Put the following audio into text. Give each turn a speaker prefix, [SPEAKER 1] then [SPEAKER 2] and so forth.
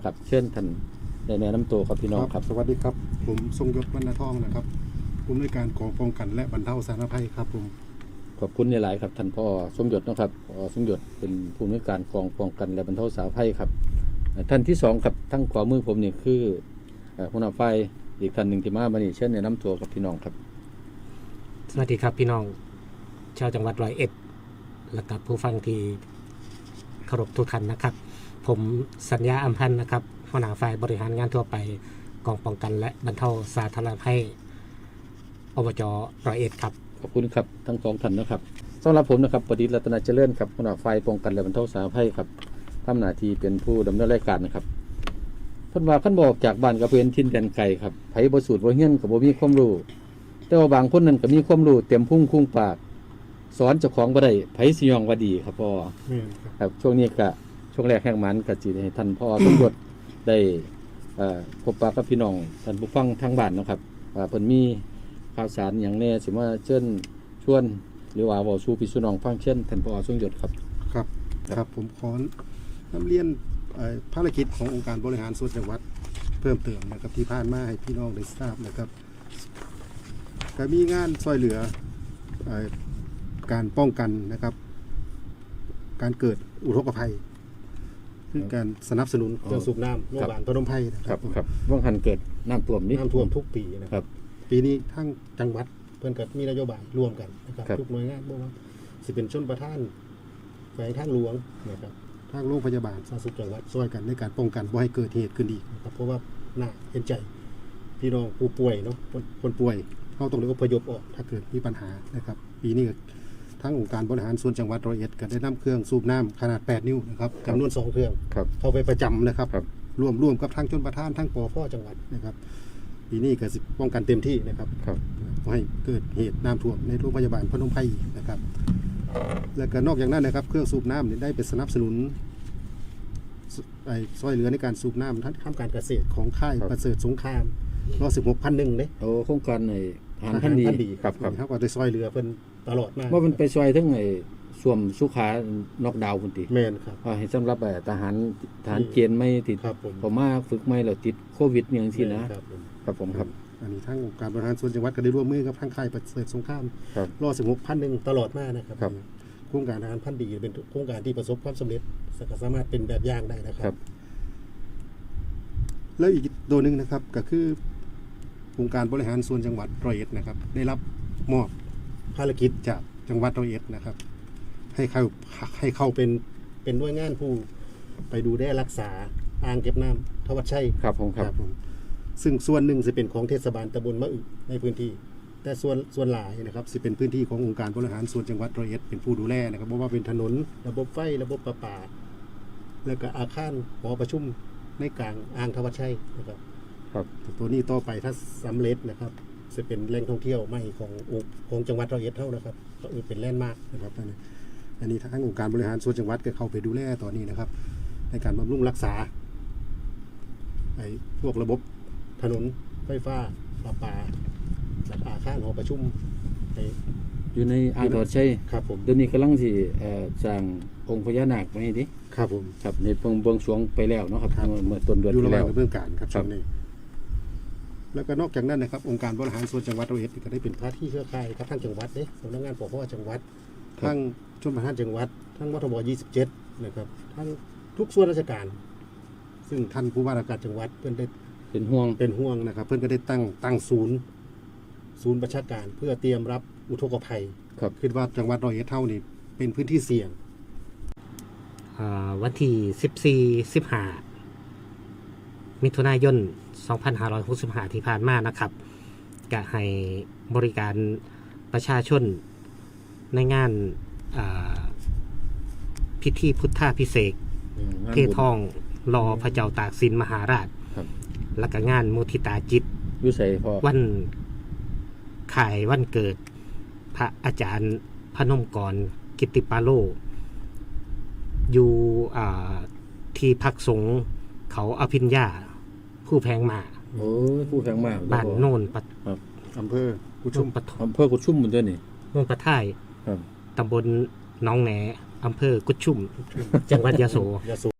[SPEAKER 1] ครับเชิญท่านได้แนะนำตัวครับพี่น้องครับ
[SPEAKER 2] สวัสดีครับผมทรงยศวรรณทองนะครับผู้อำนวยการกองป้องกันและบรรเทาสาธารณภัยครับผม
[SPEAKER 1] ขอบคุณหลายๆครับท่านพ่อสมยศนะครับพ่อสมยศเป็นผู้อำนวยการกองป้องกันและบรรเทาสาธารณภัยครับท่านที่สองครับทั้งขวามือผมนี่คือหัวหน้าฝ่ายอีกท่านหนึ่งที่มาบันนี้เชิญแนะนำตัวกับพี่น้องครับ
[SPEAKER 3] สวัสดีครับพี่น้องชาวจังหวัดร้อยเอ็ดและกับผู้ฟังที่เคารพทุกท่านนะครับผมสัญญาอัมพันธ์นะครับหัวหน้าฝ่ายบริหารงานทั่วไปกองป้องกันและบรรเทาสาธารณภัยอบจร้อยเอ็ดครับ
[SPEAKER 1] ขอบคุณครับทั้งสองท่านนะครับสำหรับผมนะครับประดิษฐ์รัตนเจริญครับหัวหน้าฝ่ายป้องกันและบรรเทาสาธารณภัยครับทำหน้าที่เป็นผู้ดำเนินรายการนะครับเพิ่นว่าขั้นบอกจากบ้านกับเพื่อนทินแดนไกลครับไผบ่สูตรบ่เฮียนกับบ่มีความรู้แต่ว่าบางคนนั้นก็มีความรู้เต็มพุ่งคุ้งปากสอนเจ้าของบ่ได้ไผสิยองว่าดีครับพ่อครับช่วงนี้ก็ช่วงแรกแห่งมันก็สิให้ท่านพ่อสมยศได้พบปะกับพี่น้องท่านผู้ฟังทางบ้านนะครับเพิ่นมีข่าวสารอย่างแน่สิมาเชิญชวนหรือว่าเว้าสู่พี่น้องฟังเช่นท่านพ่อสมยศครับ
[SPEAKER 2] ครับผมขอนำเรียนภารกิจขององค์การบริหารส่วนจังหวัดเพิ่มเติมนะครับที่ผ่านมาให้พี่น้องได้ทราบนะครับก็มีงานช่วยเหลือการป้องกันนะครับการเกิดอุทกภัยคือการสนับสนุนเครื่องสูบน้ำโรงพยาบาลพนมไพรนะครับ
[SPEAKER 1] ว่างหันเกิดน้ำท่วมนี่
[SPEAKER 2] น้ำท่วมทุกปีนะครับปีนี้ทั้งจังหวัดเพื่อนกับมีนโยบายร่วมกันนะครับทุกหน่วยงานบอกว่าสิเป็นชนประทานแขวงทางหลวงนะครับทางโรงพยาบาลสาธารณสุขจังหวัดช่วยกันในการป้องกันบ่ให้เกิดเหตุขึ้นอีกนะครับเพราะว่าน่าเห็นใจพี่น้องผู้ป่วยเนาะคนป่วยเขาต้องได้อพยพออกถ้าเกิดมีปัญหานะครับปีนี้ทั้งองค์การบริหารส่วนจังหวัดร้อยเอ็ดก็ได้นำเครื่องสูบน้ำขนาด8 นิ้วนะครับจำนวน2เครื่องเข้าไปประจำนะครับร่วมกับทางชนประทานทั้งปภจังหวัดนะครับปีนี้ก็ป้องกันเต็มที่นะครับให้เกิดเหตุน้ำท่วมในโรงพยาบาลพนมไพรนะครับและก็นอกจากนั้นนะครับเครื่องสูบน้ำได้ไปสนับสนุนช่วยเหลือในการสูบน้ำทำการเกษตรของค่ายประเสริฐสงคราม116,100เนี่ย
[SPEAKER 1] โครงการอาหารพันธุ์ดี
[SPEAKER 2] ครับเขาก็ได้ช่วยเหลือเพิ่นตลอดมา
[SPEAKER 1] ว่ามันไปช่วยทั้งส่วมสุขานอกดาวพุ่นติ
[SPEAKER 2] แม่นครับ
[SPEAKER 1] ให้สำหรับทหารเกณฑ์ไม่ติดพอมาฝึกไม่แล้วติดโควิดอย่างซี่นะครับผมครับ
[SPEAKER 2] อันนี้ทั้งการบริหารส่วนจังหวัดก็ได้ร่วมมือกับทางค่ายประเสริฐสงคราม116,100ตลอดมานะครับโครงการอาหารพันธุ์ดีเป็นโครงการที่ประสบความสำเร็จสามารถเป็นแบบอย่างได้นะครับแล้วอีกตัวนึงนะครับก็คือองค์การบริหารส่วนจังหวัดร้อยเอ็ดนะครับได้รับมอบภารกิจจากจังหวัดร้อยเอ็ดนะครับให้เข้าเป็นหน่วยงานผู้ไปดูแลรักษาอ่างเก็บน้ำทวัชชัย
[SPEAKER 1] ครับผม
[SPEAKER 2] ซึ่งส่วนหนึ่งจะเป็นของเทศบาลตำบลมะอึในพื้นที่แต่ส่วนหลายนะครับจะเป็นพื้นที่ขององค์การบริหารส่วนจังหวัดร้อยเอ็ดเป็นผู้ดูแลนะครับเพราะว่าเป็นถนนระบบไฟระบบประปาแล้วก็อาคารหอประชุมในกลางอ่างทวัชชัยนะครับตัวนี้ต่อไปถ้าสำเร็จนะครับจะเป็นแหล่งท่องเที่ยวใหม่ของจังหวัดร้อยเอ็ดเท่านะครับก็เป็นแลนด์มาร์คนะครับอันนี้ทางองค์การบริหารส่วนจังหวัดก็เข้าไปดูแลตอนนี้นะครับในการบำรุงรักษาพวกระบบถนนไฟฟ้าประปาและอาคารหอประชุม
[SPEAKER 1] อยู่ในอ่างทวัชชัย
[SPEAKER 2] ครับผม
[SPEAKER 1] เดี๋ยวนี้กำลังสิสร้างองค์พญานาคไว้ดิ
[SPEAKER 2] ครับผม
[SPEAKER 1] ครับในเบื้องสวงไปแล้วเนาะครับเมื่อต้นเดือน
[SPEAKER 2] ที่แล้วอยู่ระหว่างเบื้องการครับช่วงนี้แล้วก็นอกจากนั้นนะครับองค์การบริหารส่วนจังหวัดร้อยเอ็ดก็ได้เป็นภาคีเครือข่ายกับทางจังหวัดสำนักงานปกครองจังหวัดทั้งชมประทานจังหวัดทั้งมทบ27นะครับทั้งทุกส่วนราชการซึ่งท่านผู้ว่าราชการจังหวัดเพิ่นได้
[SPEAKER 1] เป็นห่วง
[SPEAKER 2] นะครับเพิ่นก็ได้ตั้งศูนย์ประชาการเพื่อเตรียมรับอุทกภัยคิดว่าจังหวัดร้อยเอ็ดเท่านี้เป็นพื้นที่เสี่ยง
[SPEAKER 3] วันที่14-15มิถุนายน2565ที่ผ่านมานะครับก็ให้บริการประชาชนในงานพิธีพุทธาภิเษกเททองรอพระเจ้าตากสินมหาราชและก็งานมุทิตาจิตวันขายวันเกิดพระอาจารย์พนมกรกิตติปาโลอยู่ที่พักสงฆ์เขาอภิญญาผู้แพงมา
[SPEAKER 1] ผู้แพงมา
[SPEAKER 3] บ้านโน่น
[SPEAKER 2] อำเภอกุชุม
[SPEAKER 1] เหมือนเดิมนี่
[SPEAKER 3] โน่นปะท่ายตำบลหนองแหนอำเภอกุชุมจังหวัดยะโส